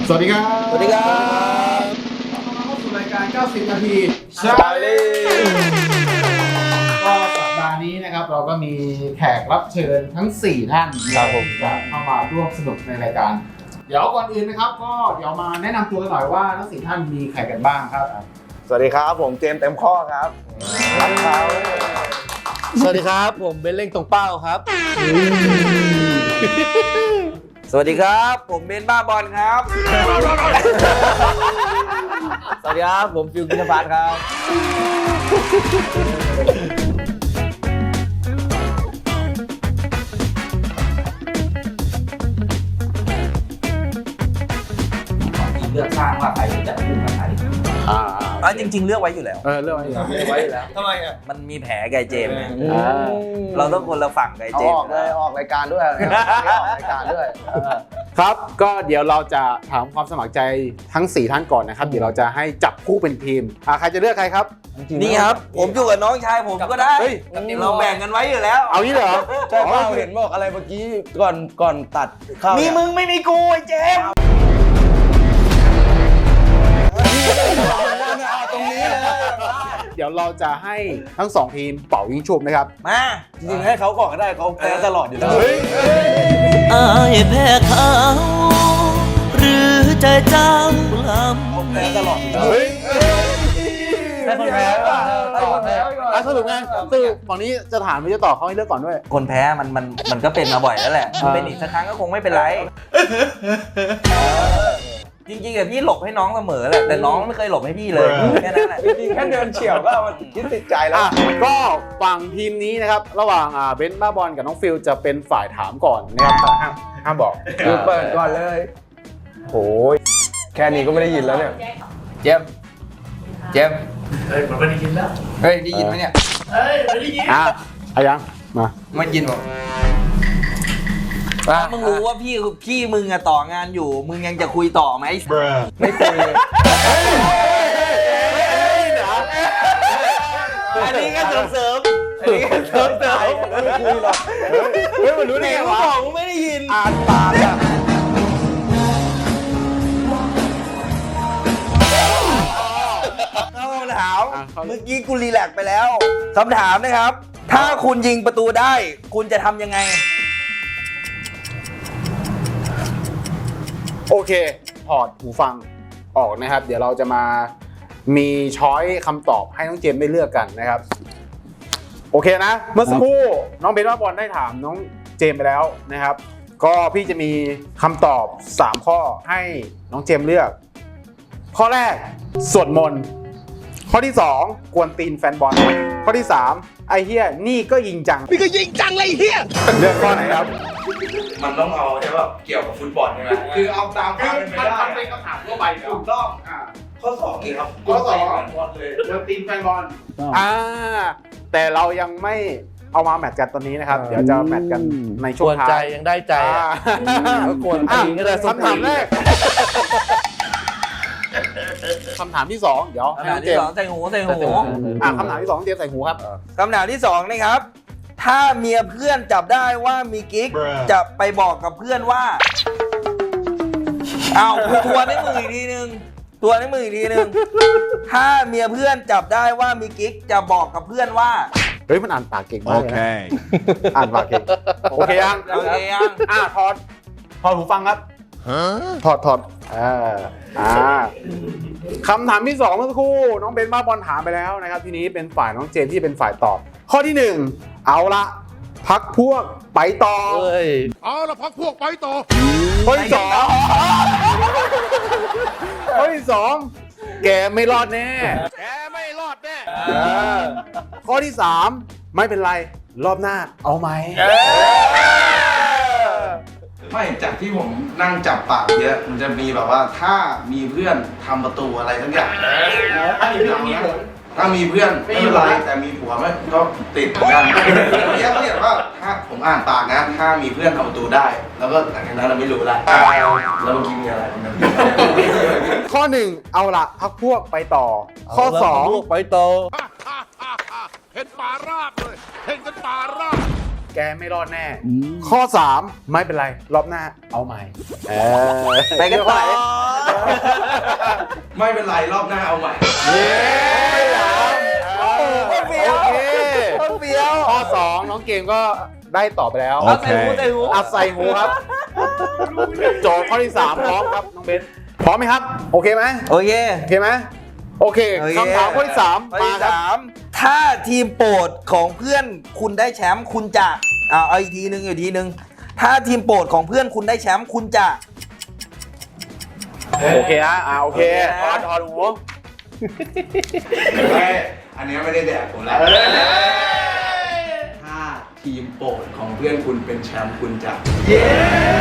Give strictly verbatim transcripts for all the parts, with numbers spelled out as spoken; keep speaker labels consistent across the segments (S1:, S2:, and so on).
S1: สวัสดีครับ
S2: สวัสดีครับ
S1: เข้าสู่รายการเก้าสิบนาทีชา
S2: ชาลี
S1: ก็สัปดาห์นี้นะครับเราก็มีแขกรับเชิญทั้งสี่ท่านครับผมจะเข้ามาร่วมสนุกในรายการเดี๋ยวก่อนอื่นนะครับก็เดี๋ยวมาแนะนำตัวกันหน่อยว่าทั้งสี่ท่านมีใครกันบ้างครับ
S2: สวัสดีครับผมเจมส์เต็มข้อครับครับ
S3: สวัสดีครับผมเบนเล่งตรงเป้าครับ
S2: สวัสดีครับผมเบนบ้าบอลครับสวัสดีครับผมฟิวกินพัทครับเลือกสร้างว่าใครจะคู่กับใครอ่าจริงๆเลือกไว้อยู่แล้ว
S1: เออเรื่องอะไรครับ
S2: เลือกไว้อยู่แล้วทำไมอ่ะมันมีแผลไกเจมส์ไงเราต้องคนละฝั่งไกเจมส์ออกเลยออกรายการด้วยออกรายการด้วย
S1: ครับก็เดี๋ยวเราจะถามความสมัครใจทั้งสี่ท่านก่อนนะครับเดี๋ยวเราจะให้จับคู่เป็นทีมอ่าใครจะเลือกใครครับ
S2: นี่ครับผมอยู่กับน้องชายผมก็ได้เราแบ่งกันไว้อยู่แล้ว
S1: เอางี้เหรอ
S3: ใช่เปล่าเห็นบอกอะไรเมื่อกี้ก่อนก่อนตัดเข้า
S2: มีมึงไม่มีกูไอ้เจมส์
S3: ตรงนี้เลย
S1: เดี๋ยวเราจะให้ทั้งสองทีมเป่ายิงฉุบนะครับ
S2: มา
S3: จริงๆให้เขาก่อนก็ได้เขาแพ้ตลอดอยู่แล้ว
S4: อายแพ้เขาหรือใจเจ้าลำ
S3: แพ้ตลอดอยู่แล้ว
S1: เฮ้ย
S3: ให้คนแพ้ก่อนให้คนแพ้ก่อน
S1: อ่ะสรุปไงสรุปฝั่งนี้จะถามหรือจะตอบเขาให้เลือกก่อนด้วย
S2: คนแพ้มันมันมันก็เป็นมาบ่อยแล้วแหละเป็นอีกสักครั้งก็คงไม่เป็นไรจริงๆอะพี่หลบให้น้องเสมอแหละแต่น้องไม่เคยหลบให้พี่เลยแค่นั้นแหละ
S3: จริงๆแค่เดินเฉียวก็มันคิดติดใจแล้ว
S1: ก็ฝั่งทีมนี้นะครับระหว่างเบนซ์บ้าบอลกับน้องฟิลจะเป็นฝ่ายถามก่อนนะครับห้ามห้ามบอก
S3: คือเปิดก่อนเลยโอ้ยแค่นี้ก็ไม่ได้ยินแล้วเนี่ย
S2: เจมเจมเฮ้ยมันไม่ได้ยินแล้วเฮ้ยได้ยินไหมเนี่ย
S1: เฮ้ยไม่ได้ยินอ่ะอายังมา
S2: ไม่ยินหรอถ้ามึงรู้ว่าพี่พี่มึงอะต่องานอยู่มึงยังจะคุยต่อไหม
S3: ไม่คุยเลย
S2: อันนี้ก็เสริมเสริมอันนี้ก็เสริมเสริม
S3: ไม่คุยหรอก
S1: เฮ้ยมันรู้ได้ไงวะ
S2: บอกมึงไม่ได้ยิน
S1: อ่านปากอะ
S2: เข้าคำถามเมื่อกี้กูรีแลกซ์ไปแล้วคำถามนะครับถ้าคุณยิงประตูได้คุณจะทำยังไง
S1: โอเคถอดหูฟังออกนะครับเดี๋ยวเราจะมามีช้อยคำตอบให้น้องเจมส์ได้เลือกกันนะครับโอเคนะเมื่อสักครู่น้องเบนซ์ว่าบอลได้ถามน้องเจมส์ไปแล้วนะครับก็พี่จะมีคำตอบสามข้อให้น้องเจมส์เลือกข้อแรกสวดมนต์ข้อที่สองกวนตีนแฟนบอลข้อที่สามไอเฮียนี่ก็ยิงจังนี่ก็ยิงจังเลยเฮียเลือกข้อไหนครับ
S5: มันต้องเอาใช่ป่ะเกี่ยวกับฟุตบอลใช่ไหม
S1: คือเอาตามความเป็นไปได้มันเป็นคำถามทั่วไปถูกต้อง
S5: ข้อสองกี่ครับ
S1: ข้อสอง
S5: บอลเลย
S1: กวนตีนแฟนบอลอ่าแต่เรายังไม่เอามาแมทกันตอนนี้นะครับเดี๋ยวจะแมทกันในช่วงท้าย
S3: ใจยังได้ใจก็กวนตีนก็ได้
S1: คำถามแรกคำถามที่สองเดี๋ยว
S2: คำถามที่สองใส่หูใส่หู
S1: อ่าคำถามที่สองเจมใส่หูครับ
S2: คำถามที่สองนะครับถ้าเมียเพื่อนจับได้ว่ามีกิ๊กจะไปบอกกับเพื่อนว่าเอาทัวร์ในมืออีกทีนึงทัวร์ในมืออีกทีนึงถ้าเมียเพื่อนจับได้ว่ามีกิ๊กจะบอกกับเพื่อนว่า
S1: เฮ้ยมันอ่านปากเก่งมากเลยนะอ่านปากเก่งโอเคยัง
S2: โอเคยัง
S1: อ่าถอดถอดหูฟังครับถอดถอดอ่าอ่าคำถามที่สองเมื่อสักครู่น้องเบนบ้าบอลถามไปแล้วนะครับทีนี้เป็นฝ่ายน้องเจมที่เป็นฝ่ายตอบข้อที่หนึ่งเอาละพักพวกไปต่อ
S3: เอาละพักพวกไปต่อ
S1: ข้อที่สองข้อที่สองแกไม่รอดแน่
S3: แกไม่รอดแน่
S1: ข้อที่สามไม่เป็นไรรอบหน้าเอาไหม
S5: ไม่จากที่ผมนั่งจับปากเยอะมันจะมีแบบว่าถ้ามีเพื่อนทำประตูอะไรทั้งอย่างถ้ามีเพื่อนมีผลถ้ามีเพื่อนไม่เป็นไรแต่มีผัวไม่ก็ติดเหมือนกันเนี้ยเขาเรียกว่าถ้าผมอ่านปากนะถ้ามีเพื่อนทำประตูได้แล้วก็หลังจากนั้นเราไม่รู้ละแล้วเมื่อกี้มีอะไร
S1: ข้อหนึ่งเอาละพักพวกไปต่อข้อสอง
S3: ไปต่อ
S6: เห็นป่าราบเลยเห็นกันป่าราบ
S1: แกไม่รอดแน่ข้อสามไม่เป็นไรรอบหน้าเอาใหม่
S2: ไปกันต่อ
S5: ไม่เป็นไรรอบหน้าเอาใหม่
S1: เย้โอ
S2: เฟี้ยว
S1: เค
S2: เฟี้ยว
S1: ข้อสองน้องเกมก็ได้ตอบไปแล้ว
S2: เอาใส่หูใส่หู
S1: อัดใส่หูครับโจทย์ข้อที่สามพร้อมครับน้องเบนพร้อมไหมครับ โอเคไหม
S2: โอเค
S1: โอเคไหมโอเค
S2: โอเค
S1: คำถามข้อที่สาม
S2: ข้อ
S1: มา
S2: ที่
S1: ครับ
S2: สามถ้าทีมโปรดของเพื่อนคุณได้แชมป์คุณจะเอาเอาอีกทีหนึ่งอีกทีหนึ่งถ้าทีมโปรดของเพื่อนคุณได้แชมป์คุณจะ
S1: โอเคฮะอ่าโอเค
S2: โอ
S1: ถ
S2: เค
S1: อดถอดหู
S5: เฮ้ยอันนี้ไม่ได้แดกผมแล้วถ้าทีมโปรดของเพื่อนคุณเป็นแชมป์คุณจะ เย้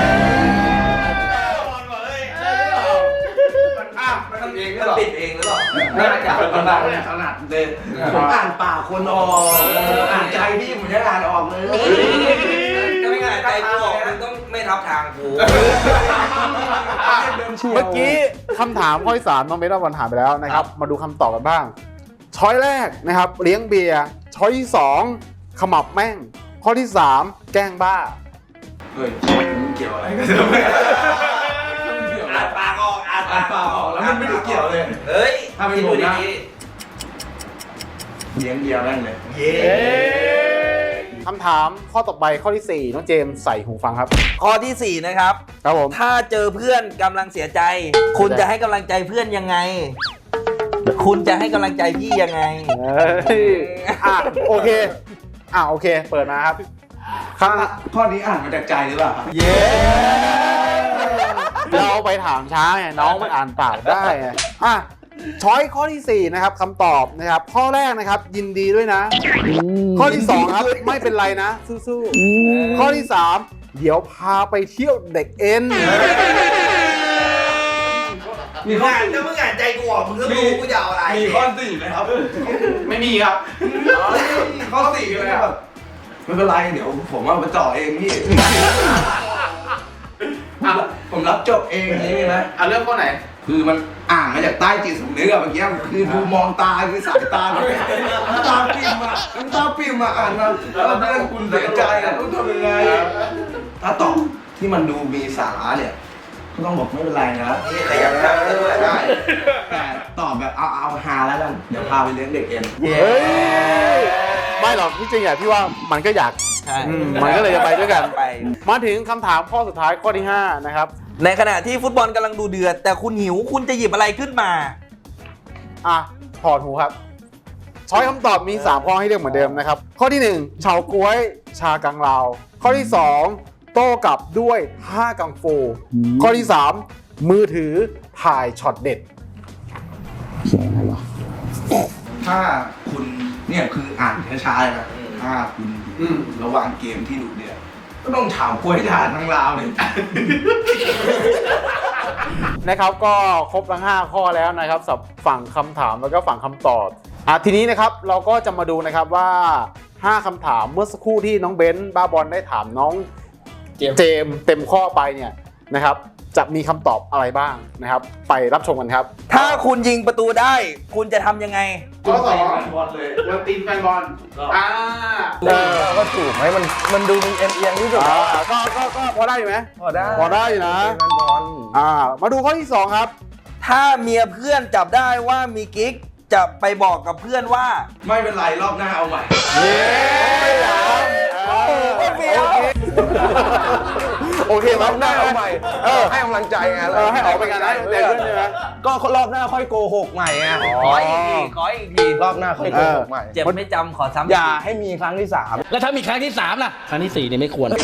S5: มันติดเองหรือเปล่าติดเองหรือเปล่าน่าจะเป็นขนาดเนี่ยขนาดเลยผมอ่านปากคนออกอ่านใจพี่ผมยังอ่านออกเลย
S2: ก็ไม่ง่ายใจกูออกมึงต้องไม่ทับทางกู
S1: เมื่อกี้คำถามข้อที่สามน้องเบนวันถามไปแล้วนะครับ มาดูคำตอบกันบ้าง ช้อยแรกนะครับเลี้ยงเบียร์ช้อยที่สองขมับแม่ง ข้อที่สามแกล้งบ้า
S5: เฮ้ยมันเกี่ยวอะไรกันอ่านปากออกอ่านปากออกแล้วมันไม่ได้เกี่ยวเลย
S2: เฮ้ย
S5: ถ้าเป็นผมนะเลี้ยงเบียร์แม่งเลย
S2: เย้
S1: คำถามข้อต่อไปข้อที่สี่น้องเจมส์ใส่หูฟังครับ
S2: ข้อที่สี่นะครับ
S1: ครับผม
S2: ถ้าเจอเพื่อนกำลังเสียใจ คุณจะให้กำลังใจเพื่อนยังไง คุณจะให้กำลังใจพี่ยังไง
S1: เฮ้ยอ่ะโอเคอ่ะโอเค เปิดมาครับคำ
S5: ข้อนี้อ่านมาจากใจหรือเปล่าครับ
S2: เย้
S1: เราไปถามช้าไงน้องมันอ่านปากได้ไงอ่ะช้อยข้อที่สี่นะครับคำตอบนะครับ ข้อแรกนะครับ ยินดีด้วยนะ ข้อที่สองครับไม่เป็นไรนะสู้ๆข้อที่สามเดี๋ยวพาไปเที่ยวเด็กเอ็น
S5: มีข้อ
S2: อ่านถ้ามึงอ่านใจกูออกมึงก็รู้กูจะเอาอะไร
S5: มีข้อสี่ไหมครับ ไม่มีครับข้อสี่เลยครับไม่เป็นไรเดี๋ยวผมเอาไปจ่อเองพี่ผมรับจบเองนี่นะ
S1: อ่ะเริ่มข้อไหน
S5: คือมันอ่านมาจากใต้จิตสำนึกอะเมื่อกี้คือดูมองตาคือสายตาแบบน้ำตาปิ่มอะน้ำตาปิ่มอะอ่านมาแล้วเพื่อนคุณเสียใจอะต้องทำยังไงถ้าตอบที่มันดูมีสาระเนี่ยก็ต้องบอกไม่เป็นไรนะ
S2: นี่ขยับข้างด้วย
S5: ได้แต่ตอบแบบเอาเอาฮาแล้วกันเดี๋ยวพาไปเลี้ยงเด็กเอ็น
S1: เฮ้ยไม่หรอกที่จริงอ่ะพี่ว่ามันก็อยาก
S2: ใช่
S1: อืมมันก็เลยจะไปด้วยกัน
S2: ไป
S1: มาถึงคำถามข้อสุดท้ายข้อที่ห้านะครับ
S2: ในขณะที่ฟุตบอลกำลังดูเดือด แต่คุณหิวคุณจะหยิบอะไรขึ้นมา
S1: อ่ะถอดหูครับ ช้อยคำตอบมีสามข้อให้เลือกเหมือนเดิมนะครับ ข้อที่หนึ่งเฉาก๊วยชากังลาว ข้อที่สองโต้กลับด้วยท่ากังฟู ข้อที่สามมือถือถ่ายช็อตเด็ด
S5: ถ้าคุณเนี่ยคืออ่านช้าๆเลยนะถ้าคุณระหว่างเกมที่ดุเดือดก็ต้องถามกล้วยถานทั้งราวเลย
S1: นะครับก็ครบทั้งห้าข้อแล้วนะครับสำหรับฝั่งคำถามแล้วก็ฝั่งคำตอบอ่ะทีนี้นะครับเราก็จะมาดูนะครับว่าห้าคำถามเมื่อสักครู่ที่น้องเบนซ์บ้าบอลได้ถามน้องเจมส์เต็มข้อไปเนี่ยนะครับจะมีคำตอบอะไรบ้างนะครับ ไปรับชมกันครับ
S2: ถ้าคุณยิงประตูได้ คุณจะทำยังไง
S1: ข้อสอง
S5: บอลเลย
S1: วันตีนแฟนบอลอ่า
S3: เออก็ถูกไหมมันมันดูมีเอ็นเอียงที่สุด
S1: อ่า
S3: แล้ว
S1: ก็ก็ก็พอได้อยู่ไหม
S3: พอได้
S1: พอได้อยู่นะ
S3: เป็นบอล
S1: อ่ามาดูข้อที่สองครับ
S2: ถ้าเมียเพื่อนจับได้ว่ามีกิ๊กจะไปบอกกับเพื่อนว่า
S5: ไม่เป็นไรรอบหน้าเอาใหม่
S1: เย้โอเคโอเค
S3: รอบหน้าเอาใหม่
S1: เออ
S3: ให้กำลังใจไง
S1: เออให้ออกไปกันนะแต่เพื่อนใช่ไหม
S3: ก็รอบหน้าค่อยโกหกใหม่ไง
S2: ขออีกที ขออีกที
S3: รอบหน้าค่อยโกหกใหม่
S2: เจ็บไม่จำขอซ้ำ
S3: อย่าให้มีครั้งที่สาม
S7: แล้วถ้ามีครั้งที่สามล่ะ ครั้งที่สี่เนี่ยไม่ควร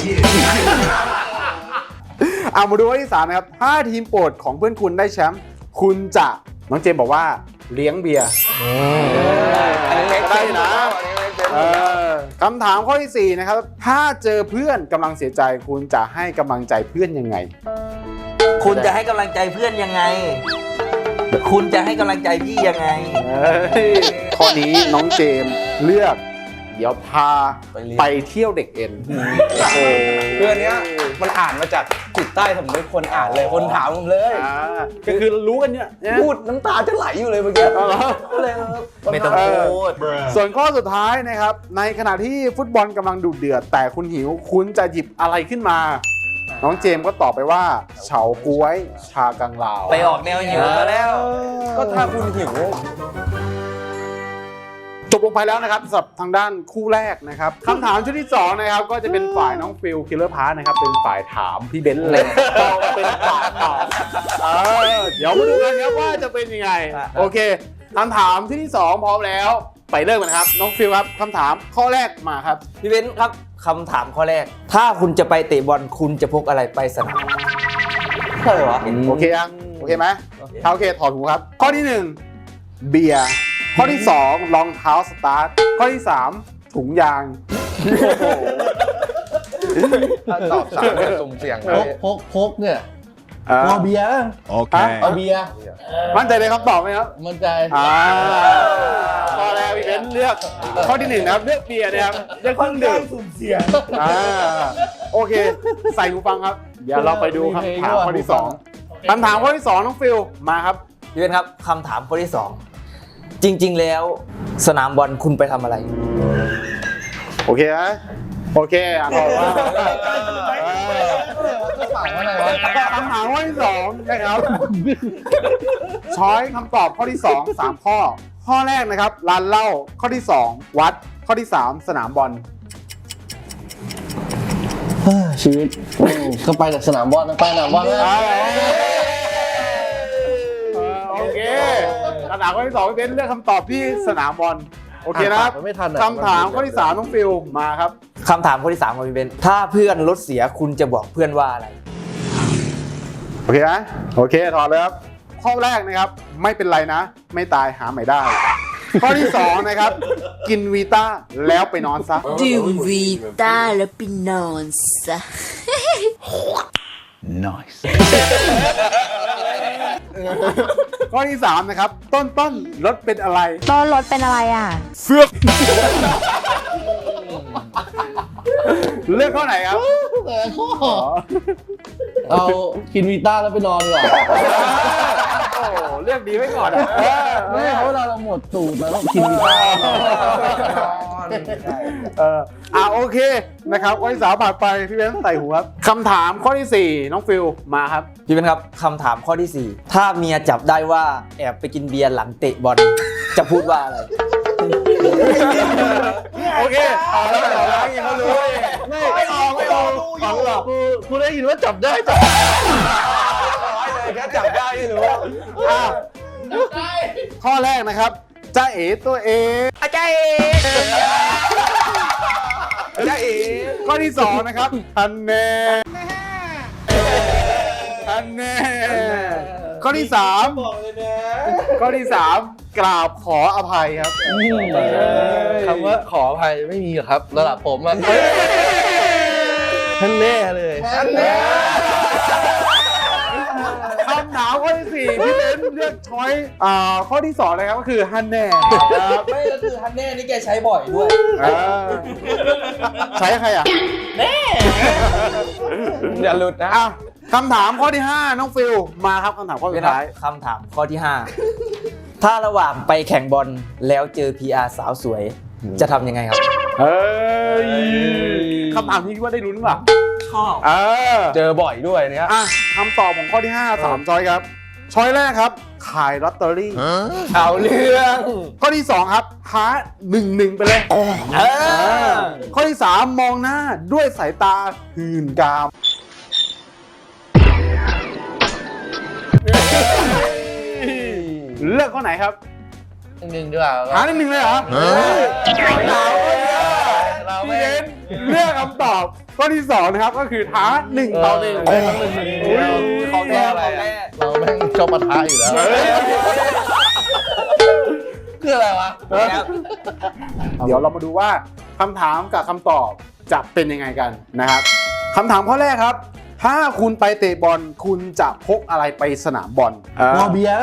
S1: เอามาดูข้อที่สามนะครับถ้าทีมโปรดของเพื่อนคุณได้แชมป์คุณจะน้องเจมส์บอกว่าเลี้ยงเบียร์
S3: อันนี้เล็ก
S1: ได้นะ
S3: อันนี้เล็กเต็ม
S1: เออคำถามข้อที่สี่นะครับถ้าเจอเพื่อนกำลังเสียใจคุณจะให้กำลังใจเพื่อนยังไง
S2: คุณจะให้กำลังใจเพื่อนยังไง คุณจะให้กำลังใจพี่ยังไง
S1: เฮ้ยข้อนี้น้องเจมส์เลือกเดี๋ยวพาไปเที่ยวเด็กเอ็นโอ้โห
S3: คืออันเนี้ยมันอ่านมาจากจิตใต้สำนึกคนอ่านเลยคนถามผมเลย
S1: อ่าก็คือรู้กันเนี่ยนะ
S3: พูดน้ำตาจะไหลอยู่เลยเมื่อกี้
S1: เอาเหรอ
S3: ก็เลย
S2: ไม่ต้องพูด
S1: ส่วนข้อสุดท้ายนะครับในขณะที่ฟุตบอลกำลังดุเดือด แต่คุณหิวคุณจะหยิบอะไรขึ้นมาน้องเจมส์ก็ตอบไปว่าเฉาก๊วยชากังลาว
S2: ไปออกแนวหิวมาแล้ว
S3: ก็ถ้าคุณหิว
S1: จบลงไปแล้วนะครับสำหรับทางด้านคู่แรกนะครับคำถามชุดที่สองนะครับก็จะเป็นฝ่ายน้องฟิลคิลเลอร์พาร์ทนะครับเป็นฝ่ายถามพี่เบนซ์เลยเราเป็นฝ่ายตอบเออเดี๋ยวมาดูกันครับว่าจะเป็นยังไงโอเคคำถามชุดที่สองพร้อมแล้วไปเริ่มกันนะครับน้องฟิลครับคำถามข้อแรกมาครับ
S2: พี่เบนซ์ครับคำถามข้อแรก ถ้าคุณจะไปเตะบอลคุณจะพกอะไรไปสนามใช่เหรอ
S1: โอเคยังโอเคไหมถ้าโอเคถอดหูครับข้อที่หนึ่งเบียร์ข้อที่สองรองเท้าสตาร์ทข้อที่สามถุงยาง
S3: ถ้าตอบสามเนี่ยสุ่มเสี่ยง
S7: พกพกพกเนี่ย
S1: เออ
S7: เอาเบียร์
S6: Okay.
S7: เอาเบียร์
S1: มั่นใจในคำตอบไหมครับ
S7: มันใจ
S1: อ่าข้อแรกพี่เบนซ์เลือกข้อที่หนึ่งนะครับเลือกเบียร์นะครับเลือกเครื่องดื่มสุ่มเสี่ยงอ่าโอเค ใส่หูฟังครับเดี๋ยวเราไปดูคำถามข้อที่สองคำถามข้อที่สองน้องฟิลมาครับ
S2: พี่เบนซ์ครับคำถามข้อที่สองจริง ๆ แล้วสนามบอลคุณไปทำอะไร
S1: โอเคไหมโอเคอ่ะตอบว่าคำถามข้อที่สองนะครับช้อยคำตอบข้อที่สองสามข้อ ข้อแรกนะครับร้านเหล้าข้อที่สองวัดข้อที่สามสนามบอล
S7: ชีวิตอืมก็ไปจากสนามบอลนะไปสนามบอลนะ
S1: โอเคคำถามข้อที่สองพี่เบนซ์เลือกคำตอบที่สนามบอลโอเคนะครับ
S7: ไม่ทันอะ
S1: คำถามข้อที่สามน้องฟิลมาครับ
S2: คำถามข้อที่สามของพี่เบนซ์ถ้าเพื่อนรถเสียคุณจะบอกเพื่อนว่าอะไร
S1: โอเคนะโอเคถอดเลยครับข้อแรกนะครับไม่เป็นไรนะ ไม่ตายหาใหม่ได้ ข้อที่สองนะครับกินวีต้าแล้วไปนอนซะ
S8: ดื่มวีต้าแล้วไปนอนซะ
S1: ข้อที่สามนะครับต้นต้นรถเป็นอะไร
S9: ต้นรถเป็นอะไรอ่ะ
S1: เสือกเลือกข้อไหนครับ
S7: แต่ข้อเอากินวีต้าแล้วไปนอนดีกว่า
S1: โอ้เลือกดีไว้ก่อนอะ
S7: ไม่เพราะเวลาเราหมดสูตรแล้วต้องกินวีต้า
S1: เอออ่าโอเคนะครับข้อที่สามผ่านไปพี่เบนซ์ใส่หูครับคำถามข้อที่สี่น้องฟิลมาครับ
S2: พี่เบนซ์ครับคำถามข้อที่สี่ถ้าเมียจับได้ว่าแอบไปกินเบียร์หลังเตะบอลจะพูดว่าอะไร
S1: โอเคเอาแล้วเอาแล้วเขารู้
S7: ไม่ไม่ออกไม่ออกออกหรอกกูกูได้ยินว่าจับได้จับ
S3: แค่จับได้ไม่รู้
S1: อ่ะข้อแรกนะครับจ้าเอ๋ตัวเองอาจารย์เอ๋จ้าเอ๋ข้อที่สองนะครับฮันแน่ฮันแน่ข้อที่สามข้อที่สามกราบขออภัยครับ
S7: คำว่าขออภัยไม่มีหรอกครับระดับผมอะท่านแน่เลยท่านแน่
S1: คำถามข้อที่สี่พี่เบนซ์เลือกช้อยอ่าข้อที่สองนะครับก็คือฮันแน่ครับ
S2: ไม่แล้วคือฮันแน่นี่แกใช้บ่อยด้วย
S1: อ่าใช้ใครอ่ะ
S3: อย่าหลุดนะ
S1: อ่ะคำถามข้อที่ห้าน้องฟิลมาครับคำถามข้อสุดท้าย
S2: คำถามข้อที่ห้าถ้าระหว่างไปแข่งบอลแล้วเจอ พี อาร์ สาวสวย จะทำยังไงครับ
S1: เฮ้ยคำถามนี้คิดว่าได้ลุ้นป่ะ
S2: ชอบ
S1: เออ
S3: เจอบ่อยด้วยเนี้ย
S1: อ่ะคำตอบของข้อที่ห้าสามช้อยครับช้อยแรกครับ ขายลอตเตอรี่
S3: เอาเรื่อง
S1: ข้อที่สองครับหาหนึ่งหนึ่งไปเลยเออข้อที่สามมองหน้าด้วยสายตาหื่นกาม เลือกข้อไหนครับ
S7: หนึ่งดีกว่า
S1: หาหนึ่งหนึ่งเลยเหรอเราไม่เลือกคำตอบข้อที่สองนะครับก็คือท้าหนึ่งต่อหนึ่ง
S7: เออหนึ่งหนึ่ง
S2: ของแท้ของแท้
S7: เราแม่งชอบปะทะอยู่แล้วคืออะไรวะ
S1: เดี๋ยวเรามาดูว่าคำถามกับคำตอบจะเป็นยังไงกันนะครับคำถามข้อแรกครับ ถ้าคุณไปเตะบอลคุณจะพกอะไรไปสนามบอล
S7: วอเบียร์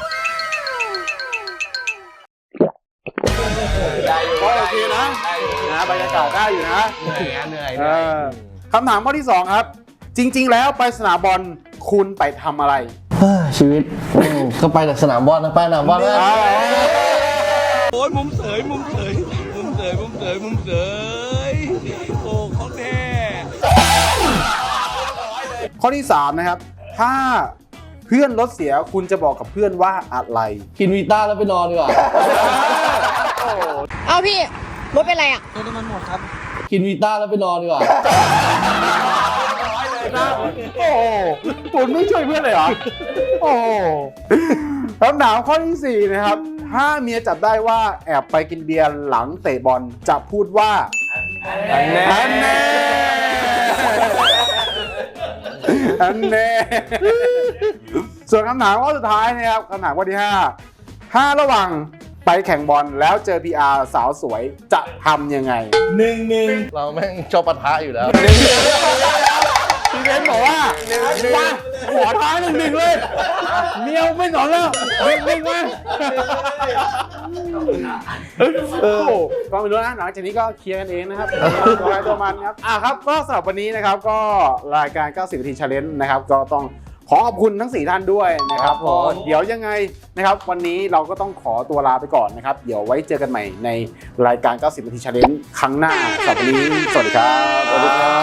S1: ก็โอเคนะนะบรรยากาศได้อยู่นะ
S3: เหนื่อยเหนื่อย
S1: เออคำถามข้อที่สองครับ จริง ๆ แล้วไปสนามบอลคุณไปทำอะไร
S7: ชีวิตอืมก็ไปจากสนามบอลนะไปสนามบอลนะ
S6: โอ้ยมุมเสยมุมเสยมุมเสยมุมเสยมุมเสยโอ้ของแท้
S1: ข้อที่สามนะครับถ้าเพื่อนรถเสียคุณจะบอกกับเพื่อนว่าอะไร
S7: กินวีต้าแล้วไปนอนดีกว่า
S9: เอาพี่ รถเป็นไรอ่ะ
S7: กินวีต้าแล้วไปนอนดีกว่า
S1: โอ้โหคุณไม่ช่วยเพื่อนเลยเหรอ โอ้โหคำถามข้อที่สี่นะครับถ้าเมียจับได้ว่าแอบไปกินเบียร์หลังเตะบอลจะพูดว่า
S3: อันแน่
S1: อันแน่อันแน่ส่วนคำถามข้อสุดท้ายนะครับคำถามข้อที่ห้าถ้าระหว่างไปแข่งบอลแล้วเจอ พี อาร์ สาวสวยจะทำยังไง
S2: หนึ่งหนึ่ง
S7: เราแม่งชอบปะทะอยู่แล้ว
S1: พี่เบนบอกว่าว่าขอท้าหนึ่งหนึ่งเลยเมียวไม่สอนแล้วหนึ่งหนึ่งมาโอ้โหก็ไม่รู้นะหลังจากนี้ก็เคลียร์กันเองนะครับตัวใครตัวมันครับอ่ะครับก็สำหรับวันนี้นะครับก็รายการเก้าสิบนาที Challenge นะครับก็ต้องขอขอบคุณทั้งสี่ท่านด้วยนะครับผมเดี๋ยวยังไงนะครับวันนี้เราก็ต้องขอตัวลาไปก่อนนะครับเดี๋ยวไว้เจอกันใหม่ในรายการเก้าสิบนาที Challenge ครั้งหน้าสำหรับวันนี้สวัสดีครับ
S7: สวัสดีครับ